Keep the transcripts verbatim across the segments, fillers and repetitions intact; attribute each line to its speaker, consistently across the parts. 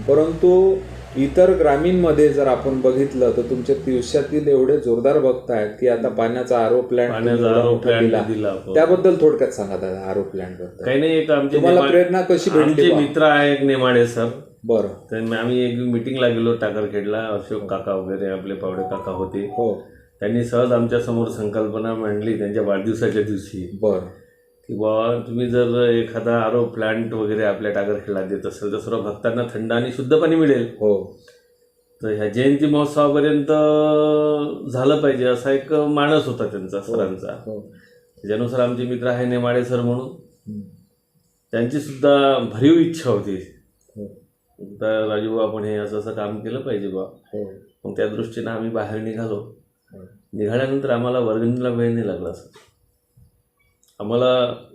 Speaker 1: परंतु इतर ग्रामीणमध्ये जर आपण बघितलं तर तुमच्या तिवश्यातील एवढे जोरदार भक्त आहेत की आता पाण्याचा आरो प्लॅन्ट दिला, त्याबद्दल थोडक्यात सांगा दादा. आरो प्लॅन्ट बद्दल
Speaker 2: काही नाही, एक आमचे
Speaker 1: तुम्हाला प्रेरणा कशी भेटली?
Speaker 2: आमचे मित्र आहे एक नेमाडे सर.
Speaker 1: बरं.
Speaker 2: तर आम्ही एक मिटिंगला गेलो टाकरखेडला. अशोक काका वगैरे आपले पावडे काका होते.
Speaker 1: हो.
Speaker 2: त्यांनी सहज आमच्या समोर संकल्पना मांडली त्यांच्या वाढदिवसाच्या दिवशी.
Speaker 1: बरं.
Speaker 2: की बाबा तुम्ही जर एखादा आरो प्लांट वगैरे आपल्या टाकरखेडला देत असेल तर सर्व भक्तांना थंड आणि शुद्ध पाणी मिळेल.
Speaker 1: हो. तर
Speaker 2: ह्या जयंती महोत्सवापर्यंत झालं पाहिजे असा एक मानस होता त्यांचा सरांचा. त्याच्यानुसार आमचे मित्र आहे नेमाडे सर म्हणून, त्यांची सुद्धा भरीव इच्छा होती. तर राजू आपण हे असं असं काम केलं पाहिजे बा. मग त्या दृष्टीनं आम्ही बाहेर निघालो. निघाल्यानंतर आम्हाला वर्गणीला वेळ नाही लागला सर. आम्हाला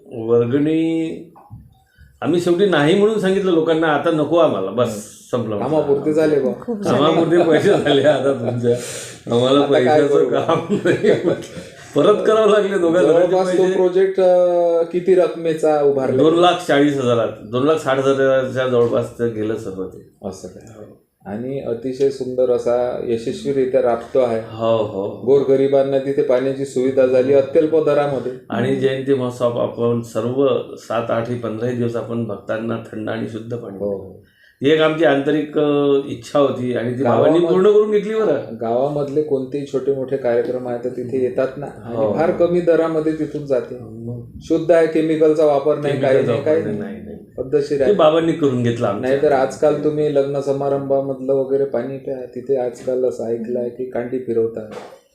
Speaker 2: वर्गणी आम्ही शेवटी नाही म्हणून सांगितलं लोकांना, आता नको आम्हाला, बस संपलं,
Speaker 1: कामापुरते झाले बा,
Speaker 2: कामापुरते पैसे झाले आता तुमच्या, आम्हाला पैशाचं काम नाही परत करावं लागले दोघांना.
Speaker 1: प्रोजेक्ट किती रकमेचा उभारला?
Speaker 2: दोन लाख चाळीस हजारात दोन लाख साठ हजाराच्या जवळपास गेलं सर्व ते.
Speaker 1: असं काय? आणि अतिशय सुंदर असा यशस्वीरित्या राबतो आहे.
Speaker 2: हो हो.
Speaker 1: गोरगरिबांना तिथे पाण्याची सुविधा झाली अत्यल्प दरामध्ये.
Speaker 2: आणि जयंती महोत्सव आपण सर्व सात आठ पंधराही दिवस आपण भक्तांना थंड आणि शुद्ध पाणी.
Speaker 1: हो.
Speaker 2: ही एक आमची आंतरिक इच्छा होती आणि ती गावांनी पूर्ण करून घेतली. बरं,
Speaker 1: गावामधले कोणतेही छोटे मोठे कार्यक्रम आहेत तर तिथे येतात ना, आणि फार कमी दरामध्ये तिथून जाते. शुद्ध आहे, केमिकलचा वापर नाही, काही नाही, काही नाही, पद्धतशीर आहे.
Speaker 2: बाबांनी करून घेतला.
Speaker 1: नाही तर आजकाल तुम्ही लग्न समारंभामधलं वगैरे पाणी प्या, तिथे आजकाल असं ऐकलं आहे की कांडी फिरवतात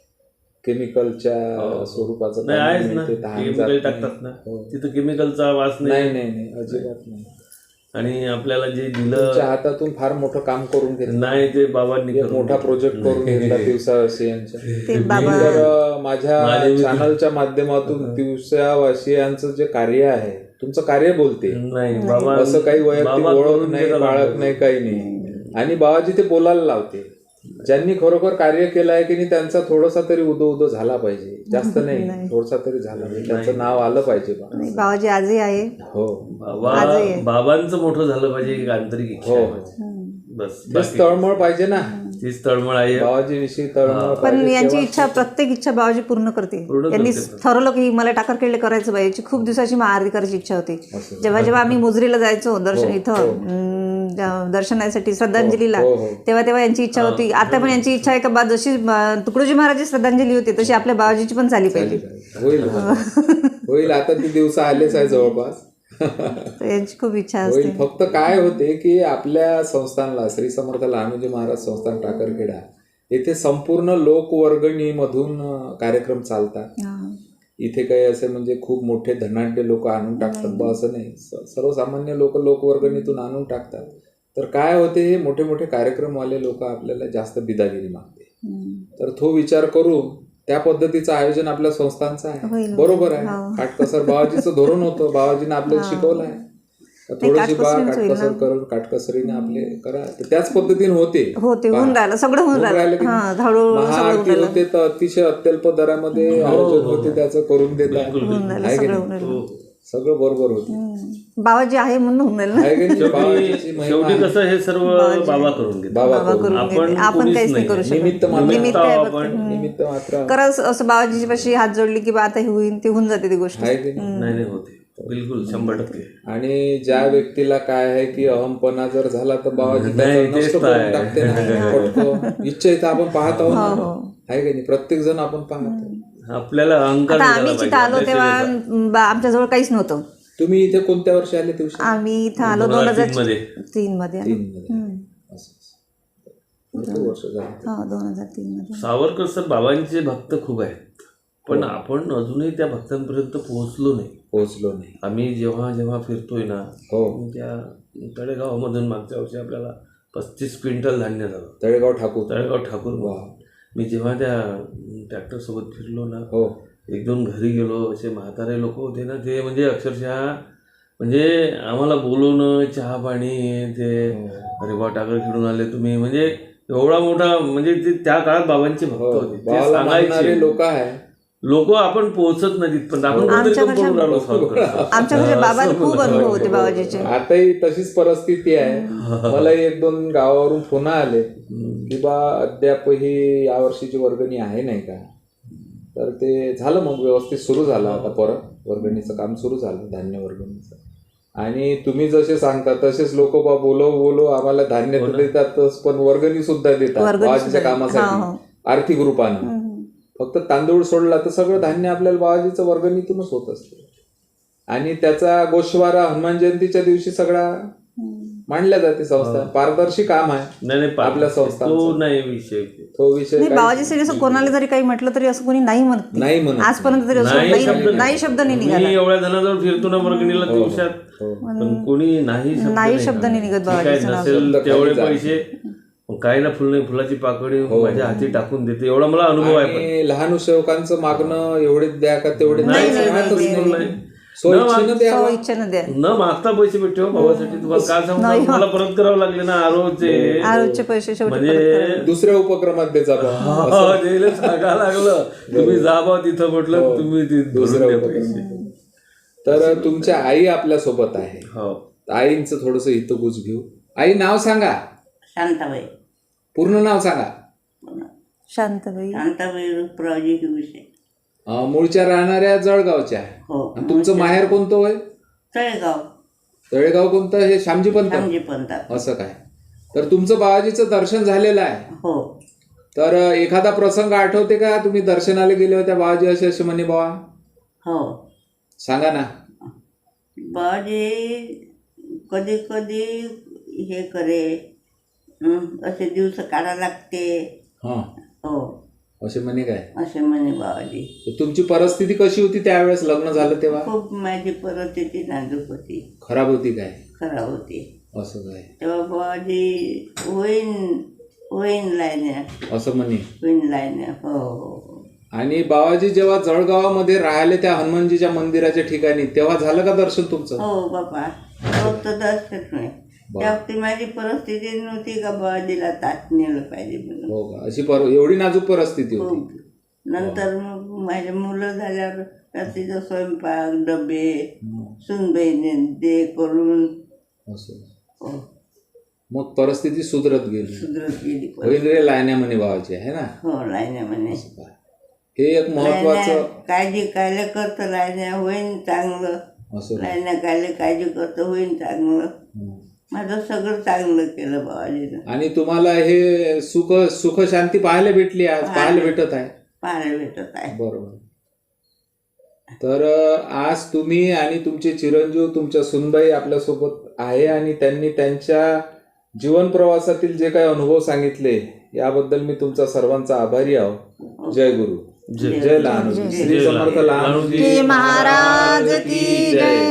Speaker 1: केमिकलच्या स्वरूपाचं
Speaker 2: टाकतात ना, तिथं केमिकलचा वास
Speaker 1: नाही. नाही नाही अजिबात नाही.
Speaker 2: आणि आपल्याला जे दिलं
Speaker 1: हातातून फार मोठं काम करून घेतलं
Speaker 2: नाही, ते बाबांनी
Speaker 1: मोठा प्रोजेक्ट करून घेतला दिवसावासियांच्या. तर माझ्या चॅनलच्या माध्यमातून दिवसावासियांचं जे कार्य आहे, तुमचं कार्य बोलते
Speaker 2: नाही बाबा,
Speaker 1: असं काही वैयक्तिक ओळख नाही, बाळक नाही, काही नाही. आणि बाबाजी ते बोलायला लावते. ज्यांनी खरोखर कार्य केलं आहे की नाही त्यांचा थोडासा तरी उदो उदो झाला पाहिजे, जास्त नाही, थोडासा तरी झाला पाहिजे, त्यांचं नाव आलं पाहिजे.
Speaker 3: बाबाजी आजही आहे.
Speaker 1: हो.
Speaker 2: बाबांचं मोठं झालं पाहिजे, एक आंतरिक इच्छा. बस
Speaker 1: बस तळमळ पाहिजे ना,
Speaker 2: तीच तळमळ आहे
Speaker 1: बाबाजी विषयी तळमळ.
Speaker 3: पण यांची इच्छा, प्रत्येक इच्छा बाबाजी पूर्ण करते. त्यांनी ठरवलं की मला टाकरखेडले करायचं पाहिजे. खूप दिवसाची महाआरती करायची इच्छा होती. जेव्हा जेव्हा आम्ही मोजरीला जायचो दर्शन इथं दर्शनासाठी श्रद्धांजलीला, तेव्हा तेव्हा यांची इच्छा होती. आता पण यांची इच्छा आहे का बा जशी तुकडोजी महाराजची श्रद्धांजली होती तशी आपल्या बाबाजीची पण झाली पाहिजे.
Speaker 1: होईल होईल आता ती दिवस आलेच आहे जवळपास.
Speaker 3: यांची खूप इच्छा असते.
Speaker 1: फक्त काय होते की आपल्या संस्थानला श्री समर्थ लहानोजी महाराज संस्थान टाकरखेडा येथे संपूर्ण लोकवर्गणीमधून कार्यक्रम चालतात. इथे काही असे म्हणजे खूप मोठे धनाढ्य लोक आणून टाकतात बा असं नाही, सर्वसामान्य लोक लोकवर्गणीतून आणून टाकतात. तर काय होते, हे मोठे मोठे कार्यक्रमवाले लोक आपल्याला जास्त बिदागिरी मागते. तर तो विचार करून त्या पद्धतीचं आयोजन आपल्या संस्थांचं आहे. बरोबर आहे, काटकसर बाबाजीचं धोरण होतं, बाबाजीनं आपल्याला शिकवलं आहे. थोडीशी बा काटकसर करून काटकसरीने आपले करा, त्याच पद्धतीने होते
Speaker 3: होते होऊन राहिलं सगळं होऊन राहिलं.
Speaker 1: महाआरती होते तर अतिशय अत्यल्प दरामध्ये आयोजन होते, त्याचं करून देतात, सगळं बरोबर होते.
Speaker 3: बाबाजी आहे म्हणून होऊन राहिलं.
Speaker 2: शेवटी कसं हे सर्व बाबा करून घेतात,
Speaker 1: बाबा करून
Speaker 3: आपण आपण काहीच नाही करू शकत.
Speaker 1: निमित्त
Speaker 3: निमित्त मात्र खरंच असं बाबाजी पाशी हात जोडली की आता हे होईल ते होऊन जाते ती गोष्ट.
Speaker 2: नाही होते बिलकुल शंभर टक्के.
Speaker 1: आणि ज्या व्यक्तीला काय आहे की अहमपणा जर झाला तर बाबाजी नष्ट करून टाकते ना. इच्छा इथं आपण पाहत आहोत आहे की नाही, प्रत्येक जण आपण पाहतो.
Speaker 2: आपल्याला अहंकार.
Speaker 3: आम्ही जिथं आलो तेव्हा आमच्या जवळ काहीच नव्हतं.
Speaker 1: तुम्ही इथे कोणत्या वर्षी आले दिवशी?
Speaker 3: आम्ही इथं आलो दोन हजार तीन मध्ये. दोन हजार तीन मध्ये.
Speaker 2: सावरकर सर बाबांचे भक्त खूप आहेत, पण आपण अजूनही त्या भक्तांपर्यंत पोहोचलो नाही
Speaker 1: पोहोचलो नाही
Speaker 2: आम्ही जेव्हा जेव्हा फिरतोय ना,
Speaker 1: हो
Speaker 2: त्या तळेगावमधून मागच्या वर्षी आपल्याला पस्तीस क्विंटल धान्य झालं.
Speaker 1: तळेगाव ठाकूर
Speaker 2: तळेगाव ठाकूर मी जेव्हा त्या ट्रॅक्टर सोबत फिरलो ना,
Speaker 1: हो
Speaker 2: एक दोन घरी गेलो, असे म्हातारे लोक होते ना, ते म्हणजे अक्षरशः म्हणजे आम्हाला बोलवणं, चहा पाणी, ते अरे बा टाकर खेळून आले तुम्ही, म्हणजे एवढा मोठा, म्हणजे ते त्या काळात बाबांचे भक्त होते, ते सांगायचे
Speaker 1: लोक आहे.
Speaker 2: लोक आपण पोहोचत नाही तिथपर्यंत, आपण कुठेतरी
Speaker 3: आमच्या
Speaker 2: कमी पडून राहिलो solve करतो.
Speaker 3: आमच्या घरच्या बाबाला खूप अनुभव होते बाबाजीचे.
Speaker 1: आताही तशीच परिस्थिती आहे. मलाही एक दोन गावावरून फोन आले की बा अद्यापही यावर्षीची वर्गणी आहे नाही का, तर ते झालं मग व्यवस्थित सुरू झालं. आता परत वर्गणीचं काम सुरू झालं, धान्य वर्गणीचं. आणि तुम्ही जसे सांगता तसेच लोक बा बोलो बोलो आम्हाला धान्य तर देतातच, पण वर्गणी सुद्धा देतात बाबाजीच्या कामासाठी आर्थिक रूपानं. फक्त तांदूळ सोडला तर सगळं धान्य आपल्याला बाबाजीचं वर्गणीतूनच होत असते. आणि त्याचा गोषवारा हनुमान जयंतीच्या दिवशी सगळा मांडल्या जाते. संस्था पारदर्शी काम आहे
Speaker 2: नाही नाही
Speaker 1: आपल्या संस्था,
Speaker 2: तो नाही विषय.
Speaker 1: तो विषय
Speaker 3: नाही, बाबाजीसाठी असं कोणाला जरी काही म्हटलं तरी असं कोणी नाही म्हणत
Speaker 1: नाही म्हणत.
Speaker 3: आजपर्यंत तरी असं नाही नाही शब्द नाही निघाला.
Speaker 2: मी एवढ्या जणांजवळ फिरतो ना वर्गणीला दिवसात, पण कोणी नाही शब्द
Speaker 3: नाही शब्द नाही निघत बाबाजीचं नाव.
Speaker 2: नसेल तेवढे पैसे काही ना फुल नाही, फुलाची पाकळी माझ्या हाती टाकून देते, एवढा मला अनुभव आहे.
Speaker 1: आणि लहान सेवकांचं मागणं एवढेच द्या का तेवढे
Speaker 2: नाही
Speaker 1: नाही,
Speaker 2: नाही, बिलकुल नाही.
Speaker 1: स्वइच्छेनं द्यावं.
Speaker 3: इच्छेनं द्या.
Speaker 2: न मागता पैसे भेटते हो भावासाठी. तुम्हाला काय सांगू, मला परत करावं लागले ना आरोचे
Speaker 3: आरोग्यचे पैसे शेवटी
Speaker 2: म्हणजे
Speaker 1: दुसऱ्या उपक्रमात द्यायचा बा.
Speaker 2: सांगा लागलं तुम्ही जा बा तिथं, म्हटलं तुम्ही ते
Speaker 1: दुसऱ्या
Speaker 2: भरून द्या
Speaker 1: उपक्रमात.
Speaker 2: पैसे.
Speaker 1: तर तुमच्या आई आपल्या सोबत आहे.
Speaker 2: हो,
Speaker 1: आईंचं थोडस हितगुज घेऊ. आई नाव सांगा,
Speaker 4: शांताबाई.
Speaker 1: पूर्ण नाव सांगा.
Speaker 3: शांतबाई
Speaker 4: शांताबाई रुपरावजी हिवसे.
Speaker 1: अं, मूळच्या राहणाऱ्या जळगावच्या.
Speaker 4: हो.
Speaker 1: आणि तुमचं माहेर कोणतं होय?
Speaker 4: तळेगाव.
Speaker 1: तळेगाव कोणतं? हे श्यामजी पंत.
Speaker 4: श्यामजी पंतात.
Speaker 1: असं काय? तर तुमचं बाबाजीचं दर्शन झालेलं आहे.
Speaker 4: हो.
Speaker 1: तर एखादा प्रसंग आठवते का, तुम्ही दर्शनाला गेले होत्या बाबाजी असे असे म्हणे बाबा?
Speaker 4: हो.
Speaker 1: सांगा ना.
Speaker 4: बाबाजी कधी कधी हे करे, हं, असे दिवस काढा लागते.
Speaker 1: हा,
Speaker 4: हो
Speaker 1: असे म्हणे काय?
Speaker 4: असे म्हणे बाबाजी.
Speaker 1: तर तुमची परिस्थिती कशी होती त्यावेळेस लग्न झालं तेव्हा?
Speaker 4: खूप माझी परिस्थिती नाजूक होती,
Speaker 1: खराब होती काय?
Speaker 4: खराब होती.
Speaker 1: असं काय?
Speaker 4: तेव्हा बाबाजी होईन होईन लायण्या,
Speaker 1: असं म्हणे.
Speaker 4: होईन लायण्या. हो हो.
Speaker 1: आणि बाबाजी जेव्हा जळगावामध्ये राहिले त्या हनुमानजीच्या मंदिराच्या ठिकाणी, तेव्हा झालं का दर्शन तुमचं?
Speaker 4: हो बाबा, फक्त दर्शन नाही. त्या वक्ती माझी परिस्थिती नव्हती का बाबाजीला तात नेलं पाहिजे म्हणून.
Speaker 1: हो का? अशी पर एवढी नाजूक परिस्थिती
Speaker 4: खूप.
Speaker 1: होती.
Speaker 4: नंतर मग माझे मुलं झाल्यावर रात्रीचा स्वयंपाक डबे सुनबाईने दे करून
Speaker 1: असं.
Speaker 4: हो,
Speaker 1: मग परिस्थिती सुधरत गेली.
Speaker 4: सुधरत गेली.
Speaker 1: होईल रे लायण्या म्हणे बाबाजी, आहे ना?
Speaker 4: हो, लायण्या म्हणे.
Speaker 1: हे एक महत्वाचं.
Speaker 4: काळजी कायले करतं लायण्या, होईन चांगलं.
Speaker 1: असं.
Speaker 4: लायण्या कायले काळजी करतं, होईन चांगलं. माझं सगळं चांगलं केलं बाबाजीनं.
Speaker 1: आणि तुम्हाला हे सुख सुख शांती पाहायला भेटली, आज पाहायला भेटत आहे.
Speaker 4: पाहायला भेटत आहे.
Speaker 1: बरोबर. तर आज तुम्ही आणि तुमचे चिरंजीव तुमच्या सुनबाई आपल्यासोबत आहे, आणि त्यांनी त्यांच्या जीवन प्रवासातील जे काही अनुभव सांगितले याबद्दल मी तुमचा सर्वांचा आभारी आहो. जय गुरु. जय लहानू. श्री समर्थ लहानूजी
Speaker 3: महाराज की जय.